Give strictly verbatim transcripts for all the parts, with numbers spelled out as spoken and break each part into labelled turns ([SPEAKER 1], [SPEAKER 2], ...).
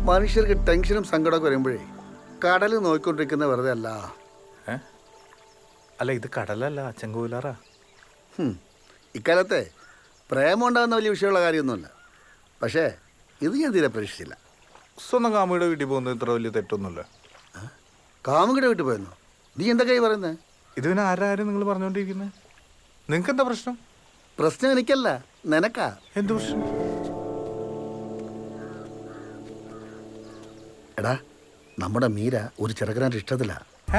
[SPEAKER 1] മനുഷ്യർക്ക് ടെൻഷനും സങ്കടമൊക്കെ വരുമ്പോഴേ കടൽ നോക്കിക്കൊണ്ടിരിക്കുന്ന വെറുതെ അല്ല.
[SPEAKER 2] അല്ല, ഇത് കടലല്ല, ചെങ്കോലാറാ.
[SPEAKER 1] ഇക്കാലത്തെ പ്രേമം ഉണ്ടാകുന്ന വലിയ വിഷയമുള്ള കാര്യമൊന്നുമല്ല. പക്ഷേ ഇത് ഞാൻ തീരെ പ്രതീക്ഷിച്ചില്ല.
[SPEAKER 2] സ്വന്തം കാമുകിയുടെ വീട്ടിൽ പോകുന്നത് ഇത്ര വലിയ തെറ്റൊന്നുമില്ല.
[SPEAKER 1] കാമുകിയുടെ വീട്ടിൽ പോയെന്നോ? നീ എന്തൊക്കെയായി പറയുന്നത്?
[SPEAKER 2] ഇത് പിന്നെ ആരാരും നിങ്ങൾ പറഞ്ഞുകൊണ്ടിരിക്കുന്നത്? നിങ്ങൾക്ക് എന്താ പ്രശ്നം?
[SPEAKER 1] പ്രശ്നം എനിക്കല്ല, നിനക്കാ.
[SPEAKER 2] എന്ത് പ്രശ്നം?
[SPEAKER 1] എടാ, നമ്മുടെ മീര ഒരു ചെറുക്കനായിട്ട് ഇഷ്ടത്തില്ല.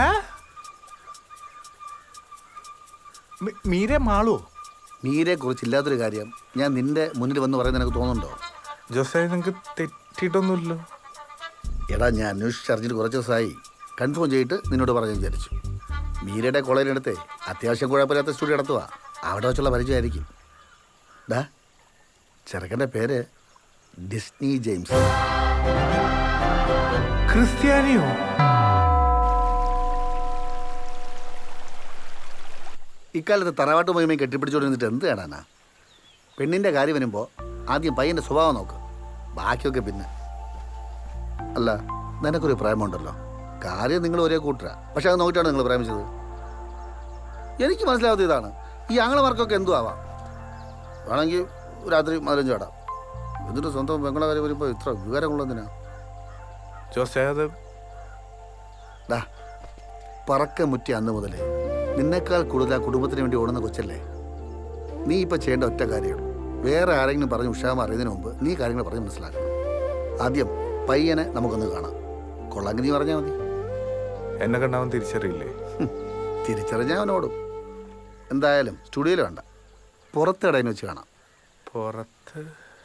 [SPEAKER 2] മീരെ മാളോ?
[SPEAKER 1] മീരയെ കുറിച്ചില്ലാത്തൊരു കാര്യം ഞാൻ നിന്റെ മുന്നിൽ വന്ന് പറയുന്നത് എനിക്ക് തോന്നുന്നുണ്ടോ?
[SPEAKER 2] ജോസേ, നിങ്ങൾക്ക് തെറ്റിയിട്ടൊന്നുമില്ലല്ലോ.
[SPEAKER 1] എടാ, ഞാൻ അന്വേഷിച്ചറിഞ്ഞിട്ട് കുറച്ച് ദിവസമായി. കൺഫേം ചെയ്തിട്ട് നിന്നോട് പറഞ്ഞു വിചാരിച്ചു. മീരയുടെ കോളേജിനടുത്ത് അത്യാവശ്യം കുഴപ്പമില്ലാത്ത സ്റ്റുഡിയോ നടത്തുക. അവിടെ വെച്ചുള്ള പരിചയമായിരിക്കും. ഡാ, ചെറുക്കൻ്റെ പേര് ഡിസ്നി ജെയിംസ്.
[SPEAKER 2] ക്രിസ്ത്യാനിയോ?
[SPEAKER 1] ഇക്കാലത്ത് തറവാട്ട് മഹിമയും കെട്ടിപ്പിടിച്ചോണ്ടിരുന്നിട്ട് എന്ത് കാണാനാ? പെണ്ണിൻ്റെ കാര്യം വരുമ്പോൾ ആദ്യം പയ്യൻ്റെ സ്വഭാവം നോക്ക്, ബാക്കിയൊക്കെ പിന്നെ. അല്ല, നിനക്കൊരു പ്രേമമുണ്ടല്ലോ. കാര്യം നിങ്ങൾ ഒരേ കൂട്ടരാ, പക്ഷെ അത് നോക്കിയിട്ടാണ് നിങ്ങൾ പ്രേമിച്ചത്. എനിക്ക് മനസ്സിലാവാത്ത ഇതാണ്. ഈ ആങ്ങളമാർക്കൊക്കെ എന്തു ആവാം. വേണമെങ്കിൽ രാത്രി മതിലഞ്ചു ആടാം. എന്നിട്ട് സ്വന്തം പെങ്ങളെ കാര്യം വരുമ്പോൾ ഇത്ര വിവരമുള്ളതിനാ?
[SPEAKER 2] ജോസേ, അത്
[SPEAKER 1] ഡാ, പറക്ക മുറ്റി അന്ന് മുതൽ നിന്നേക്കാൾ കൂടുതൽ ആ കുടുംബത്തിന് വേണ്ടി ഓടുന്ന കൊച്ചല്ലേ. നീ ഇപ്പം ചെയ്യേണ്ട ഒറ്റ കാര്യമാണ്, വേറെ ആരെങ്കിലും പറഞ്ഞ് ഉഷാമ അറിയുന്നതിന് മുമ്പ് നീ കാര്യങ്ങൾ പറഞ്ഞ് മനസ്സിലാക്കണം. ആദ്യം പയ്യനെ നമുക്കൊന്ന് കാണാം. കൊള്ളാങ്കി നീ പറഞ്ഞാൽ മതി.
[SPEAKER 2] എന്നെ കണ്ടവൻ തിരിച്ചറിയില്ലേ?
[SPEAKER 1] തിരിച്ചറിഞ്ഞാൽ അവനോടും. എന്തായാലും സ്റ്റുഡിയോയിൽ വേണ്ട, പുറത്തിടയിൽ വെച്ച് കാണാം.
[SPEAKER 2] പുറത്ത്?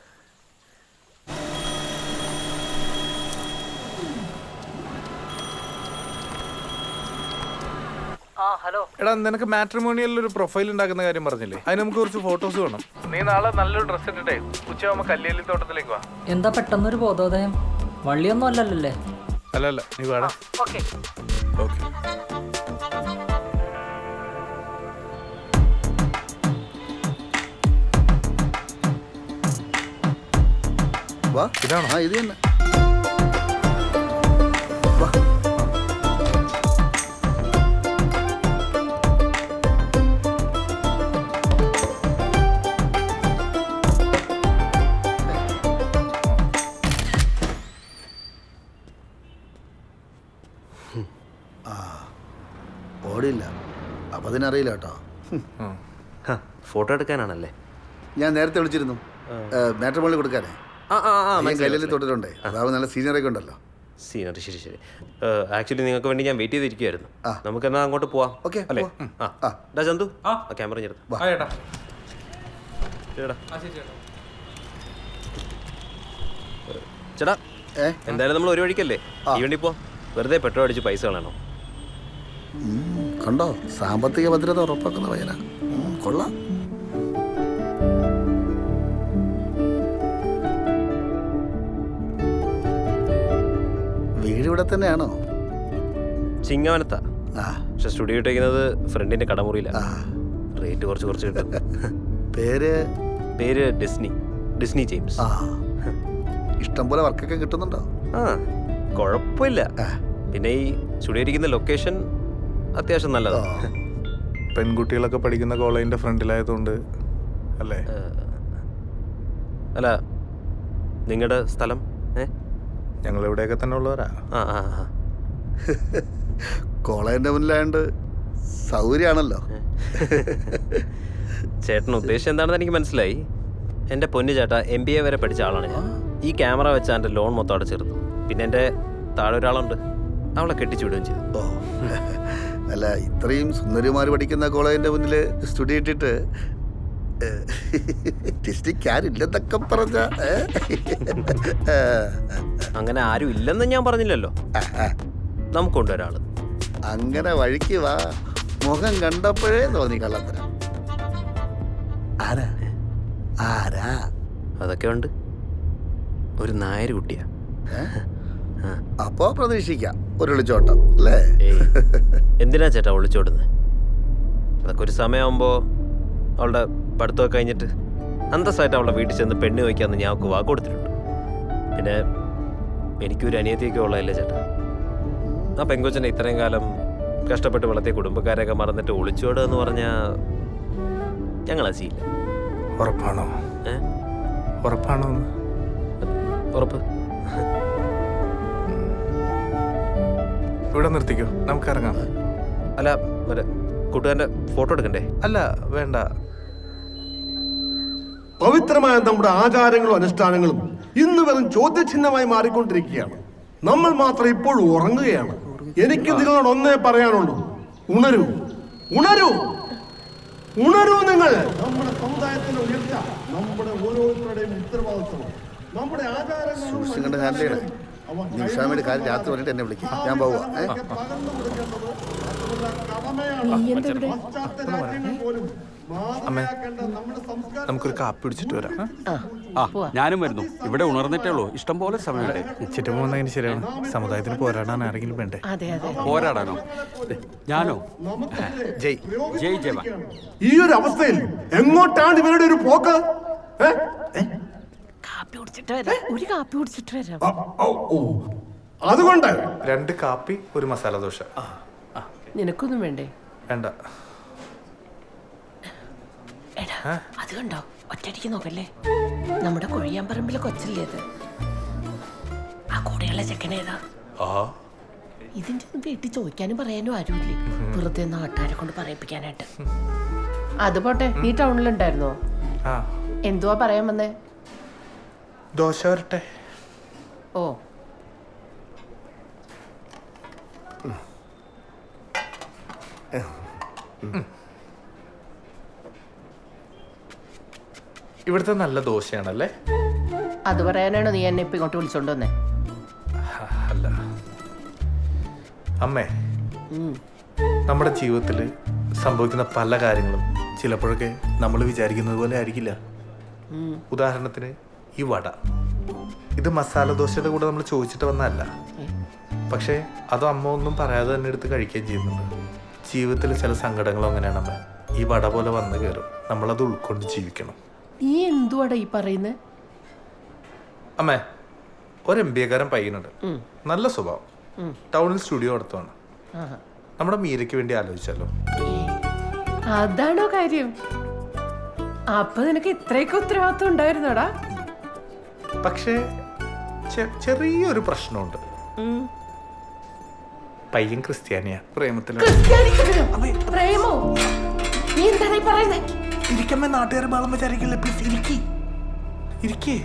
[SPEAKER 2] എടാ, നിനക്ക് മാട്രിമോണിയലിൽ ഒരു പ്രൊഫൈൽ ഉണ്ടാക്കുന്ന കാര്യം പറഞ്ഞില്ലേ? അതിന് നമുക്ക് കുറച്ച് ഫോട്ടോസ് വേണം. നീ നാളെ നല്ലൊരു ഡ്രസ് ഇട്ടിട്ടേ ഉച്ചയാകുമ്പോ കല്ലേലി തോട്ടത്തിലേക്ക് വാ.
[SPEAKER 3] എന്താ പെട്ടെന്നൊരു ബോധോദയം? വള്ളിയൊന്നും അല്ലല്ലേ?
[SPEAKER 2] അല്ല അല്ല, നീ വേണം.
[SPEAKER 3] Okay
[SPEAKER 2] okay.
[SPEAKER 1] വാ,
[SPEAKER 2] ഇതാണോ?
[SPEAKER 1] ആ, ഇത് തന്നെ. വാ. ഓടിയില്ല, അപ്പം അതിനറിയില്ല കേട്ടോ.
[SPEAKER 4] ഫോട്ടോ എടുക്കാനാണല്ലേ?
[SPEAKER 1] ഞാൻ നേരത്തെ വിളിച്ചിരുന്നു, മാട്രിമോണിയിൽ കൊടുക്കാനേ. കല്ലിൽ തൊട്ടിട്ടുണ്ടേ, അതാവുമ്പോൾ നല്ല സീനിയറൊക്കെ ഉണ്ടല്ലോ.
[SPEAKER 4] സീനിയർ, ശരി ശരി. ആക്ച്വലി നിങ്ങൾക്ക് വേണ്ടി ഞാൻ വെയിറ്റ് ചെയ്തിരിക്കുവായിരുന്നു. നമുക്ക് എന്നാ അങ്ങോട്ട് പോവാം.
[SPEAKER 1] ഓക്കെ
[SPEAKER 4] അല്ലേ? ആ ഡാ ചന്തു, ആ ക്യാമറ ഞെടുത്ത്. ചേട്ടാ, എന്തായാലും നമ്മൾ ഒരു വഴിക്കല്ലേ, ഈ വണ്ടി പോ. വെറുതെ പെട്രോൾ അടിച്ച് പൈസ കളയണോ?
[SPEAKER 1] കണ്ടോ, സാമ്പത്തിക ഭദ്രത ഉറപ്പാക്കുന്ന പയ്യനാ. കൊള്ളാം. വീട് ഇവിടെ തന്നെയാണോ?
[SPEAKER 4] ചിങ്ങവനത്താ, പക്ഷെ സ്റ്റുഡിയോ ഇട്ടേക്കുന്നത് ഫ്രണ്ടിന്റെ കടമുറിയില്ല. റേറ്റ് കുറച്ച് കുറച്ച് കിട്ടും.
[SPEAKER 1] പേര്
[SPEAKER 4] പേര് ഡിസ്നി ഡിസ്നി ജെയിംസ്.
[SPEAKER 1] ഇഷ്ടം പോലെ വർക്കൊക്കെ കിട്ടുന്നുണ്ടോ?
[SPEAKER 4] ആ, കുഴപ്പമില്ല. പിന്നെ ഈ സ്റ്റുഡിയോ ഇരിക്കുന്ന ലൊക്കേഷൻ അത്യാവശ്യം നല്ലതാണ്.
[SPEAKER 2] പെൺകുട്ടികളൊക്കെ പഠിക്കുന്ന കോളേജിന്റെ ഫ്രണ്ടിലായതുകൊണ്ട് അല്ലേ?
[SPEAKER 4] അല്ല, നിങ്ങളുടെ സ്ഥലം? ഏ,
[SPEAKER 2] ഞങ്ങൾ ഇവിടെയൊക്കെ തന്നെ ഉള്ളവരാ.
[SPEAKER 4] ആ ആ ആ
[SPEAKER 1] കോളേജിന്റെ മുന്നിലായോണ്ട് സൗകര്യമാണല്ലോ.
[SPEAKER 4] ചേട്ടൻ ഉദ്ദേശം എന്താണെന്ന് എനിക്ക് മനസ്സിലായി. എൻ്റെ പൊന്നു ചേട്ടാ, എം ബി എ വരെ പഠിച്ച ആളാണ് ഞാൻ. ഈ ക്യാമറ വെച്ച എൻ്റെ ലോൺ മൊത്തം അടച്ചെടുത്തു. പിന്നെ എൻ്റെ താഴെ ഒരാളുണ്ട്, അവളെ കെട്ടിച്ചു വിടുകയും ചെയ്തു.
[SPEAKER 1] ഓ, അല്ല, ഇത്രയും സുന്ദരിമാർ പഠിക്കുന്ന കോളേജിന്റെ മുന്നിൽ സ്റ്റുഡിയോ ഇട്ടിട്ട് ില്ലെന്നൊക്കെ പറഞ്ഞ
[SPEAKER 4] അങ്ങനെ ആരും ഇല്ലെന്ന് ഞാൻ പറഞ്ഞില്ലല്ലോ. നമുക്കുണ്ട് ഒരാള്.
[SPEAKER 1] അങ്ങനെ വഴിക്ക് വാ, മുഖം കണ്ടപ്പോഴേ തോന്നി കള്ളത്തരം. ആരാ ആരാ?
[SPEAKER 4] അതൊക്കെ ഉണ്ട്, ഒരു നായർ കുട്ടിയാ.
[SPEAKER 1] അപ്പോ പ്രതീക്ഷിക്കാം ഒരു ഒളിച്ചോട്ടം അല്ലേ?
[SPEAKER 4] എന്തിനാ ചേട്ടാ ഒളിച്ചോടുന്നത്? അതൊക്കെ ഒരു സമയമാകുമ്പോ അവളുടെ പഠിത്തമൊക്കെ കഴിഞ്ഞിട്ട് അന്തസ്സായിട്ട് അവളുടെ വീട്ടിൽ ചെന്ന് പെണ്ണ് വയ്ക്കാമെന്ന് ഞാൻ അവൾക്ക് വാക്ക് കൊടുത്തിട്ടുണ്ട്. പിന്നെ എനിക്കൊരു അനിയത്തിയൊക്കെ ഉള്ളതല്ലേ ചേട്ടാ. ആ പെങ്കൊച്ചനെ ഇത്രയും കാലം കഷ്ടപ്പെട്ട് വളർത്തിയ കുടുംബക്കാരെയൊക്കെ മറന്നിട്ട് ഒളിച്ചോടുക എന്ന് പറഞ്ഞാൽ ഞങ്ങൾ അസിയില്ല.
[SPEAKER 2] ഉറപ്പാണോ?
[SPEAKER 4] ഏ
[SPEAKER 2] ഉറപ്പാണോ?
[SPEAKER 4] ഉറപ്പ്.
[SPEAKER 2] ഇവിടെ നിർത്തിക്കോ, നമുക്ക് ഇറങ്ങാം.
[SPEAKER 4] അല്ല മറ്റേ കൂട്ടുകാരൻ്റെ ഫോട്ടോ എടുക്കണ്ടേ?
[SPEAKER 2] അല്ല വേണ്ട.
[SPEAKER 5] പവിത്രമായ നമ്മുടെ ആചാരങ്ങളും അനുഷ്ഠാനങ്ങളും ഇന്ന് വെറും ചോദ്യചിഹ്നമായി മാറിക്കൊണ്ടിരിക്കുകയാണ്. നമ്മൾ മാത്രം ഇപ്പോഴും ഉറങ്ങുകയാണ്. എനിക്ക് നിങ്ങളോട് ഒന്നേ പറയാനുള്ളൂ, ഉണരൂ, ഉണരൂ, ഉണരൂ. നിങ്ങൾ നമ്മുടെ സമുദായത്തിന്റെ ഉയർച്ച നമ്മുടെ ഓരോരുത്തരുടെയും ഉത്തരവാദിത്വമാണ്. നമ്മുടെ
[SPEAKER 1] സൂക്ഷിക്കേണ്ട കാര്യമാണ്. നിമിഷാമ്മയുടെ കാര്യം രാത്രി വന്നിട്ട് എന്നെ വിളിക്കും, ഞാൻ പോവാ.
[SPEAKER 2] അമ്മേ, നമുക്കൊരു കാപ്പി പിടിച്ചിട്ട് വരാം.
[SPEAKER 6] ആ ഞാനും വരുന്നു. ഇവിടെ ഉണർന്നിട്ടേ ഉള്ളൂ, ഇഷ്ടം പോലെ സമയമുണ്ട്.
[SPEAKER 2] ഉച്ചിട്ട് പോകുന്നതിന് ശരിയാണ്. സമുദായത്തിന് പോരാടാൻ ആരെങ്കിലും വേണ്ടേ?
[SPEAKER 6] പോരാടാനോ? ഞാനോ?
[SPEAKER 2] ജയ്
[SPEAKER 6] ജയ് ജവാൻ.
[SPEAKER 5] ഈ ഒരു അവസ്ഥയിൽ എങ്ങോട്ടാണ് ഇവരുടെ ഒരു പോക്ക്? ഏ?
[SPEAKER 7] കാപ്പി കുടിച്ചിട്ട് വരാം. ഒരു കാപ്പി കുടിച്ചിട്ട് വരാം.
[SPEAKER 5] ആ, ഓ, ഓ. അതുകൊണ്ട്
[SPEAKER 2] രണ്ട് കാപ്പി, ഒരു മസാല ദോശ.
[SPEAKER 7] നിനക്കൊന്നും വേണ്ടേ?
[SPEAKER 2] വേണ്ട.
[SPEAKER 7] എടാ, അത് കണ്ടോ? ഒറ്റയടിക്ക് നോക്കല്ലേ, നമ്മുടെ കൊഴിയാമ്പറമ്പിലെ കൊച്ചല്ലേ അത്? ആ കൂടെയുള്ള ചെക്കനേതാ? ഇതിന്റെ ഒന്നും വീട്ടിൽ ചോദിക്കാനും പറയാനും ആരുമില്ലേ, വെറുതെ നാട്ടുകാരെ കൊണ്ട് പറയിപ്പിക്കാനായിട്ട്. അത് പോട്ടെ, നീ ടൗണിലുണ്ടായിരുന്നോ?
[SPEAKER 2] ആ,
[SPEAKER 7] എന്തുവാ പറയാൻ വന്നേ?
[SPEAKER 2] ദോശ വരട്ടെ.
[SPEAKER 7] ഓ,
[SPEAKER 2] ഇവിടുത്തെ നല്ല ദോശയാണല്ലേ?
[SPEAKER 7] അത് പറയാനാണോ നീ എന്നെ ഇപ്പൊ ഇങ്ങോട്ട് വിളിച്ചോണ്ട് വന്നേ?
[SPEAKER 2] അല്ല അമ്മേ, നമ്മുടെ ജീവിതത്തിൽ സംഭവിക്കുന്ന പല കാര്യങ്ങളും ചിലപ്പോഴൊക്കെ നമ്മൾ വിചാരിക്കുന്നത് പോലെ ആയിരിക്കില്ല. ഉദാഹരണത്തിന് ഈ വട, ഇത് മസാല ദോശയുടെ കൂടെ നമ്മൾ ചോദിച്ചിട്ട് വന്നതല്ല. പക്ഷേ അത് അമ്മ ഒന്നും പറയാതെ തന്നെ എടുത്ത് കഴിക്കുകയും ചെയ്യുന്നുണ്ട്. ജീവിതത്തിൽ ചില സങ്കടങ്ങളും അങ്ങനെയാണ് അമ്മ. ഈ വട പോലെ വന്ന് കയറും, നമ്മളത് ഉൾക്കൊണ്ട് ജീവിക്കണം.
[SPEAKER 7] നീ എന്തുവാടാ ഈ പറയുന്നേ?
[SPEAKER 2] അമ്മേ, ഒരു എം ബി എക്കാരൻ പയ്യനുണ്ട്, നല്ല സ്വഭാവം, ടൗണിൽ സ്റ്റുഡിയോ നടത്തുവാണ്. നമ്മുടെ മീരയ്ക്ക് വേണ്ടി ആലോചിച്ചാലോ?
[SPEAKER 7] അതാണോ കാര്യം? അപ്പൊ നിനക്ക് ഇത്രയൊക്കെ ഉത്തരവാദിത്വം ഉണ്ടായിരുന്നോടാ?
[SPEAKER 2] പക്ഷേ ചെ- ചെറിയൊരു പ്രശ്നമുണ്ട്. പയ്യൻ ക്രിസ്ത്യാനിയാ, പ്രേമത്തിൽ.
[SPEAKER 7] പ്രേമോ? നീ എന്താണ് ഈ പറയുന്നേ?
[SPEAKER 2] ഇരിക്കമ്മേ, നാട്ടുകാരെ ബാളം വിചാരിക്കില്ല. പ്ലീസ് ഇരിക്കി ഇരിക്കേ.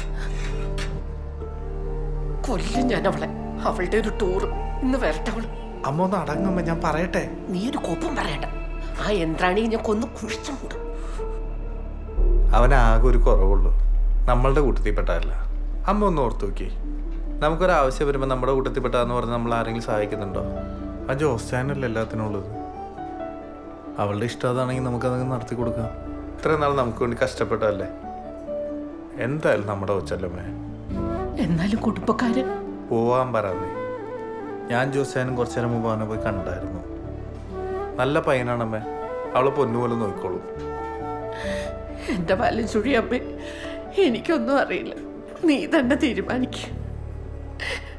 [SPEAKER 7] കൊല്ലും ഞാൻ അവളെ. അവളുടെ ഒരു ടൂർ ഇന്ന് വരട്ടെ അവള്.
[SPEAKER 2] അമ്മ ഒന്ന് അടങ്ങമ്മ, ഞാൻ പറയട്ടെ.
[SPEAKER 7] നീ ഒരു കോപ്പം പറയണ്ട. ആ യന്ത്രാണി ഞാൻ കൊന്ന് കുഴിച്ചു മൂടും.
[SPEAKER 2] അവനാകെ ഒരു കുറവുള്ളൂ, നമ്മളുടെ കൂട്ടത്തിൽപ്പെട്ടതല്ല. അമ്മ ഒന്ന് ഓർത്ത് നോക്കി, നമുക്കൊരാവശ്യം വരുമ്പോൾ നമ്മുടെ കൂട്ടത്തിൽപ്പെട്ടാന്ന് പറഞ്ഞ് നമ്മൾ ആരെങ്കിലും സഹായിക്കുന്നുണ്ടോ? ആ ജോസ്റ്റാനല്ല എല്ലാത്തിനും ഉള്ളത്. അവളുടെ ഇഷ്ടം അതാണെങ്കിൽ നമുക്കതങ്ങ് നടത്തി കൊടുക്കാം. ഇത്രയും നാൾ നമുക്ക് വേണ്ടി കഷ്ടപ്പെട്ടതല്ലേ. എന്തായാലും നമ്മുടെ കൊച്ചല്ലമ്മേ.
[SPEAKER 7] എന്നാലും കുടുംബക്കാരൻ
[SPEAKER 2] പോവാൻ പറയാതെ. ഞാൻ ജോസ്റ്റാനും കുറച്ചു നേരം മുമ്പ് അവനെ പോയി കണ്ടായിരുന്നു. നല്ല പയ്യനാണമ്മേ, അവളെ പൊന്നുപോലെ നോക്കിക്കോളൂ.
[SPEAKER 7] എന്റെ പാലും ചുഴിയമ്മേ, എനിക്കൊന്നും അറിയില്ല. നീ തന്നെ തീരുമാനിക്കും.